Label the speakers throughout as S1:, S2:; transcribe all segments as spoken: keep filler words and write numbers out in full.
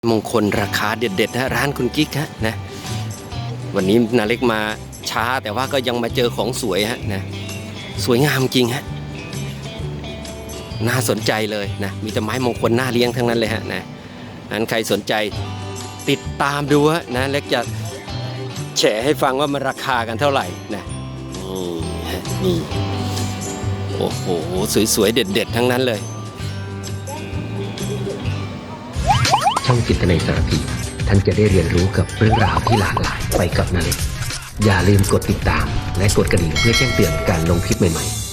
S1: มงคลราคาเด็ดๆนะร้านคุณกิ๊กฮะนะวันนี้นาเล็กมาช้าแต่ว่าก็ยังมาเจอของสวยฮะนะสวยงามจริงฮะน่าสนใจเลยนะมีแต่ไม้มงคลน่าเลี้ยงทั้งนั้นเลยฮะนะนั้นใครสนใจติดตามดูฮะนะเล็กจะแฉให้ฟังว่ามันราคากันเท่าไหร่นะนี่ฮะนี่โอ้โหสวยๆเด็ดๆทั้งนั้นเลย
S2: ช่องจิตในสารพีท่านจะได้เรียนรู้กับเรื่องราวที่หลากหลายไปกับนาเล็กอย่าลืมกดติดตามและกดกระดิ่งเพื่อแจ้งเตือนการลงคลิปใหม่ๆ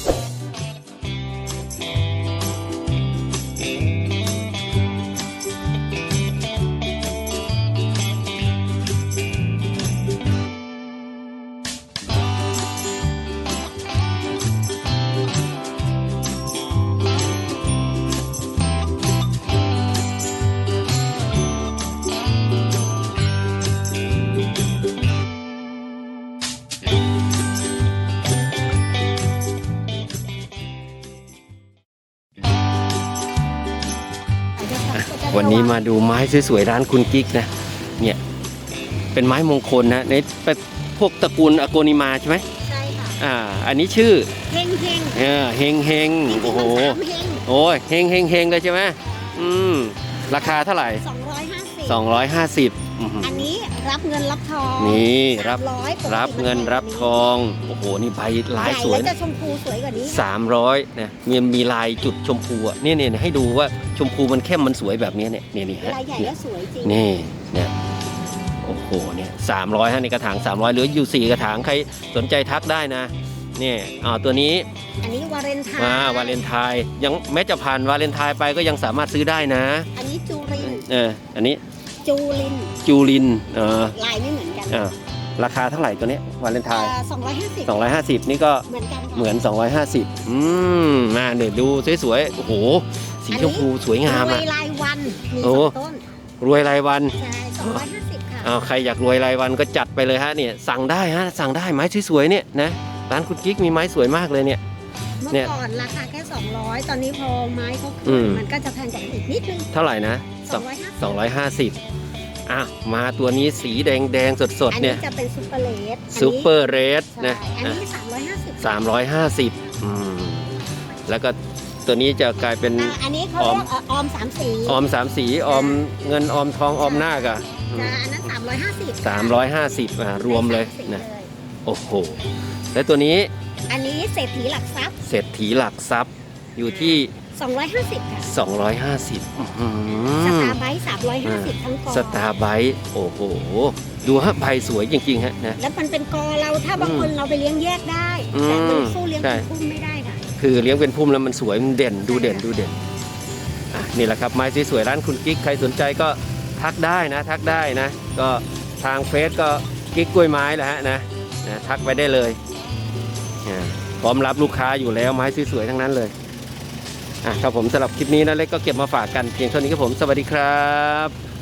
S1: วันนี้มาดูไม้สวยๆร้านคุณกิ๊กนะเนี่ยเป็นไม้มงคลนะในเป็นพวกตระกูลอโกนิมาใช่ไหม
S3: ใช่ค่ะ
S1: อ่าอันนี้ชื่อ
S3: เฮงเฮง
S1: เออเฮงเฮงโอ้โหโอ้ยเฮงเฮงเฮงเลยใช่ไหมอืมราคาเท่าไหร่
S3: สองร้อยห้าสิบ
S1: สองร้อยห้าสิบ
S3: อันนี้รับเงินรับทอง
S1: นี่รับรับเงินรับทองโอ้โหนี่ใบลายสวย
S3: จะชมพูสวยกว่านี้
S1: สามร้อยนะมีมีลายจุดชมพูอ่ะนี่เนี่ยให้ดูว่าชมพูมันเข้มมันสวยแบบนี้เนี่ยนี่นี่ฮะ
S3: ลายใหญ่และสวยจริง
S1: นี่เนี่ยโอ้โหเนี่ยสามร้อยฮะในกระถางสามร้อยเหลืออยู่สี่กระถางใครสนใจทักได้นะนี่อ่าตัวนี้
S3: อันนี้วาเลนไทน์
S1: อ่าวาเลนไทน์ยังแม้จะผ่านวาเลนไทน์ไปก็ยังสามารถซื้อได้นะ
S3: อันนี้จูริน
S1: เอออันนี้
S3: จูริน
S1: จูรินเออ
S3: ลายไม่เหมือนกัน
S1: อ่าราคาเท่าไหร่ตัวนี้วาเลนไทน์
S3: สองร้อยห้าสิบ
S1: สองร้อยห้าสิบนี่ก็
S3: เหมือนกัน
S1: เหมือนสองร้อยห้าสิบอืมมาเนี่ยดูสวยๆโอ้โหสีชมพูสวยงามอ่ะ
S3: รวยรายวันมีสองต้น
S1: รวยรายวัน
S3: ใช่สองร้อยห้าสิบค่ะ
S1: อ้าวใครอยากรวยรายวันก็จัดไปเลยฮะเนี่ยสั่งได้ฮะสั่งได้ไม้สวยๆเนี่ยนะร้านคุณกิ๊กมีไม้สวยมากเลยเนี่ย
S3: เมื่อก่อนราคาแค่สองร้อยตอนนี้พอไม้เขาขึ้นมันก็จะแพงกว่าอีกนิดนึง
S1: เท่าไหร่นะ
S3: สองร้อยห้าสิบ
S1: สองร้อยห้าสิบอ่ะมาตัวนี้สีแดงแดงสดๆเนี่ย
S3: อันนี้จะเป็นซูเปอร์เลส
S1: ซูเปอร์เรสนะ
S3: อันนี้สามร้อยห้าสิบ
S1: สามร้อยห้าสิบอืมแล้วก็ตัวนี้จะกลายเป็น
S3: อันนี้เขาเรียกออมสามสี
S1: ออมสามสีออมเงินออมทองออมหน้ากะ
S3: อันนั้นสามร้อยห้าสิบ
S1: สามร้อยห้าสิบอ่ะรวมเลยนะโอ้โหแล้วตัวนี้
S3: อันนี้เศรษฐีหลักทรัพย์
S1: เศรษฐีหลักทรัพย์อยู่ที่
S3: สองร้อยห้าสิบค่ะ
S1: สองร้อยห้าสิบ
S3: สตาร์ไบต์สามร้อยห้าสิบทั้งกอ
S1: สตาร์ไบต์โอ้โหดูฮะใบสวยจริงๆฮะนะ
S3: แล้วมันเป็นกอเราถ้าบางคนเราไปเลี้ยงแยกได้แต่มันสู้เลี้ยงเป็นพุ่มไม่ได้ค่ะ
S1: คือเลี้ยงเป็นพุ่มแล้วมันสวยมันเด่นดูเด่นดูเด่นอ่ะนี่แหละครับไม้สวยๆร้านคุณกิ๊กใครสนใจก็ทักได้นะทักได้นะก็ทางเฟซก็กิ๊กกล้วยไม้แหละฮะนะนะทักไปได้เลยพร้อมรับลูกค้าอยู่แล้วไม้สวยๆทั้งนั้นเลยอ่ะครับผมสำหรับคลิปนี้นะเล็กก็เก็บมาฝากกันเพียงเท่านี้ครับผมสวัสดีครับ